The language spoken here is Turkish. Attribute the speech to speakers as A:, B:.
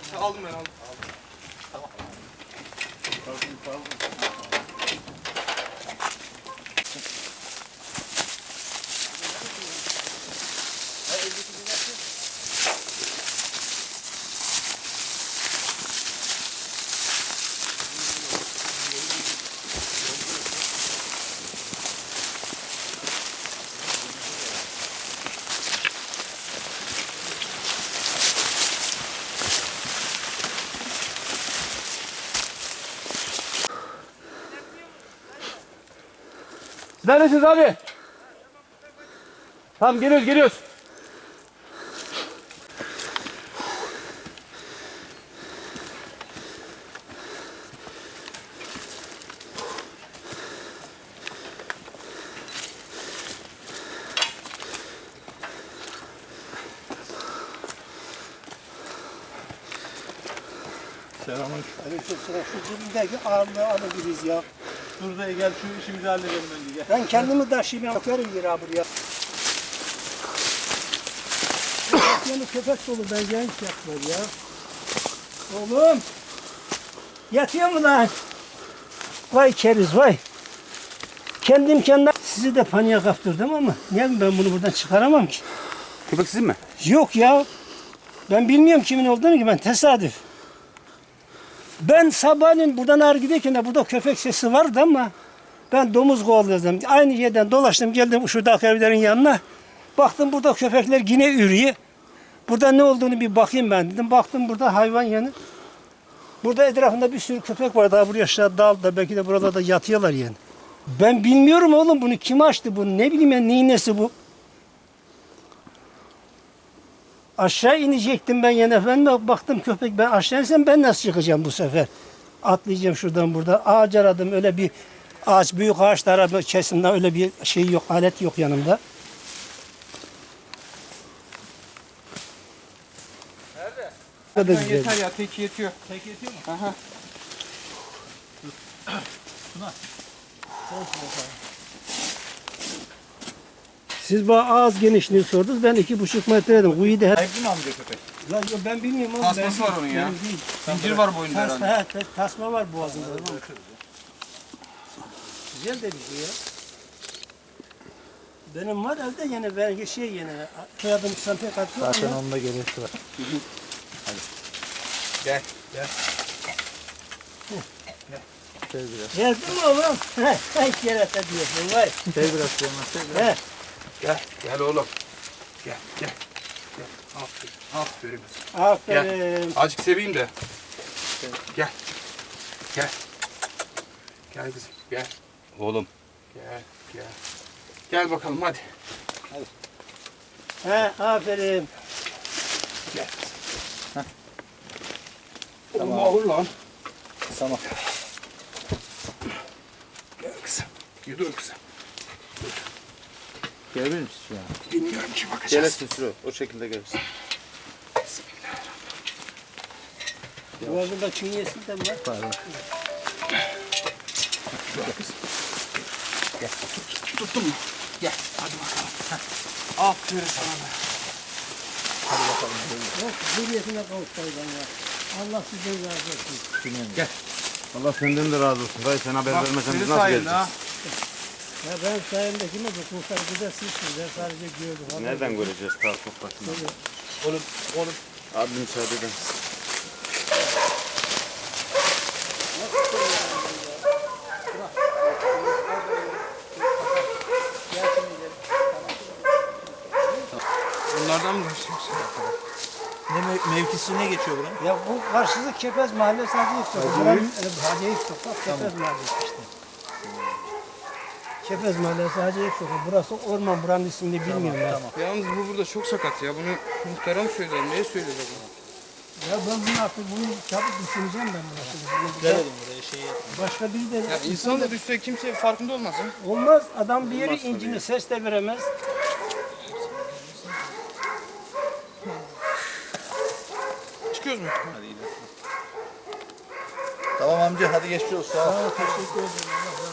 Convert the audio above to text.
A: Aldım ben aldım.
B: Tamam.
A: Neredesiniz abi? Tamam geliyoruz.
B: Selamünaleyküm.
C: Aleykümselam. Şu cebimdeki ağırlığı alabiliriz ya.
B: Dur da gel şu işimizi halledelim önce gel.
C: Ben kendimi taşıyayım. Bakarım yere abi buraya. Yani köpek dolu. Ben genç yapmıyor ya. Oğlum. Yatıyor mu lan? Vay keriz vay. Kendim kendime sizi de paniğe kaptırdım ama niye ben bunu buradan çıkaramam ki?
A: Köpek sizin mi?
C: Yok ya. Ben bilmiyorum kimin olduğunu ki, ben tesadüf. Ben sabahleyin buradan ağır giderken de burada köpek sesi vardı ama ben domuz kovalıyordum. Aynı yerden dolaştım geldim şuradaki evlerin yanına. Baktım burada köpekler yine ürüyor. Burada ne olduğunu bir bakayım ben dedim. Baktım burada hayvan yanı. Burada etrafında bir sürü köpek var. Daha buraya aşağı dalda belki de buralarda yatıyorlar yani. Ben bilmiyorum oğlum bunu kim açtı bunu, ne bileyim ben neyin nesi bu. Aşağı inecektim ben yine efendim. Baktım köpek, ben aşağı insem ben nasıl çıkacağım bu sefer? Atlayacağım şuradan burada. Ağaç aradım, öyle bir ağaç, büyük ağaçlar kesimde öyle bir şey yok, alet yok yanımda.
A: Nerede? Yeter ya, tek yetiyor.
B: Tek yetiyor mu?
A: Aha.
C: Siz bana ağız genişliğini sordunuz, ben 2,5 metre dedim. Kuyu da her...
B: Sahipli mi amca köpek?
C: Lan yok, ben bilmiyorum oğlum.
A: Tasması var onun ya.
C: Benim değil.
A: Zincir var boyunda herhalde.
C: Tasma var boğazında. Güzel de bir şey ya. Benim var evde yine, ben şey yine soyadım İslam'da katıyor.
B: Zaten onda gerek var.
A: Gel.
B: Sev biraz.
C: Geldin mi oğlum? Hay kerata diyorsun vay.
B: Sev biraz Süleyman, sev biraz.
A: Gel oğlum. Gel. Aferin.
C: Aferin.
A: Azıcık seveyim de. Gel. Gel kızım, gel. Oğlum. Gel. Gel bakalım hadi.
C: Aferin.
A: Gel. Oğlum ağır lan.
B: Tamam.
A: Gel kızım. Dur kızım.
B: Gelebilir misin şu an?
A: Bilmiyorum ki, bakacağız.
B: Gelirsin Sürü. O şekilde gelirsin.
C: Boğazında künyesi de var.
B: Pardon.
A: Gel. Tuttun mu? Gel. Hadi bakalım. Aferin sana be.
B: Hadi bakalım.
C: Yok, hürriyetine kavuşsaydın ya. Allah sizden razı olsun.
A: Gel.
D: Allah senden de razı olsun. Dayı sen haber vermesen biz
A: senin
D: nasıl
A: sayende
D: geleceğiz?
A: ha.
C: Ya ben sayemde kime de kurtar gidersiniz. Ben sadece gördüm.
D: Nereden göreceğiz ta toprakını?
A: Oğlum.
D: Abi müsaade edin.
A: Bunlardan mı başlıyorsun?
B: Mevkisi ne geçiyor buranın?
C: Ya bu karşılık Kepez Mahallesi Hacı Sokak. Buranın Hacı Sokak, Kepez Mahallesi işte. Kepez Mahallesi Hacı Sokak. Burası orman, buranın ismini bilmiyorum ben.
B: Tamam.
A: Yalnız bu burada çok sakat ya. Bunu muhterem söyler. Neye söyleyecek bunu?
C: Ya ben bunu artık çabuk düşüneceğim ben bunu.
B: Gelelim buraya şey yapalım.
C: Başka biri de
A: Ya insan da düşse kimse farkında olmaz ha.
C: olmaz. Adam bir yeri incini ses de veremez.
A: Çıkıyoruz mu?
B: Hadi gidelim. Tamam amca hadi geçmiş olsun. Sağ ol.
C: Teşekkür ederim.